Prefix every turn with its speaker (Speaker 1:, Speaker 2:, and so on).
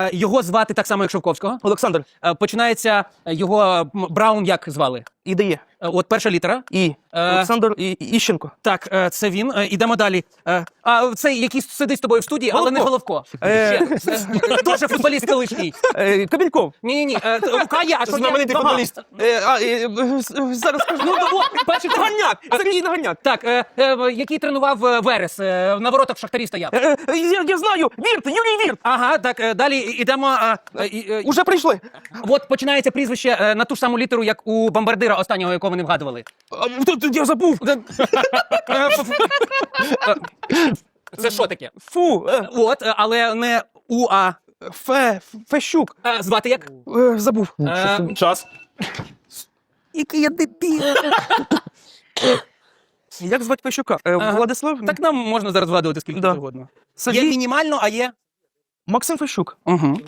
Speaker 1: Його звати так само, як Шовковського.
Speaker 2: Олександр.
Speaker 1: Починається його Браун, як звали?
Speaker 2: Ідеє.
Speaker 1: От перша літера.
Speaker 2: І. Олександр Іщенко.
Speaker 1: Так, це він. Ідемо далі. А цей, який сидить з тобою в студії, але не Головко. Дуже футболіст колишній.
Speaker 2: Кабельков.
Speaker 1: Ні. Кая, а що
Speaker 2: Знаменитий
Speaker 1: я?
Speaker 2: футболіст. Зараз скажу.
Speaker 1: Ну, бачиш,
Speaker 2: Наганяк. Сергій Наганяк.
Speaker 1: Так, який тренував Верес, на воротах в Шахтарі стояв.
Speaker 2: Я знаю. Вірт. Юрій Вірт.
Speaker 1: Ага, так, далі йдемо.
Speaker 2: Уже прийшли.
Speaker 1: От починається прізвище на ту ж саму літеру, як у бомбардира останнього, якого вони вгадували.
Speaker 2: Тут я забув.
Speaker 1: Це що таке?
Speaker 2: Фу.
Speaker 1: От, але не У, а
Speaker 2: Фещук.
Speaker 1: звати як?
Speaker 2: Забув.
Speaker 1: Час.
Speaker 2: Який я дебіл. Як звати Фещука? Владислав?
Speaker 1: Так нам можна зараз вгадувати скільки
Speaker 2: Да.
Speaker 1: завгодно. Є
Speaker 2: Сергій?
Speaker 1: мінімально, а є?
Speaker 2: Максим Фещук.
Speaker 1: Угу.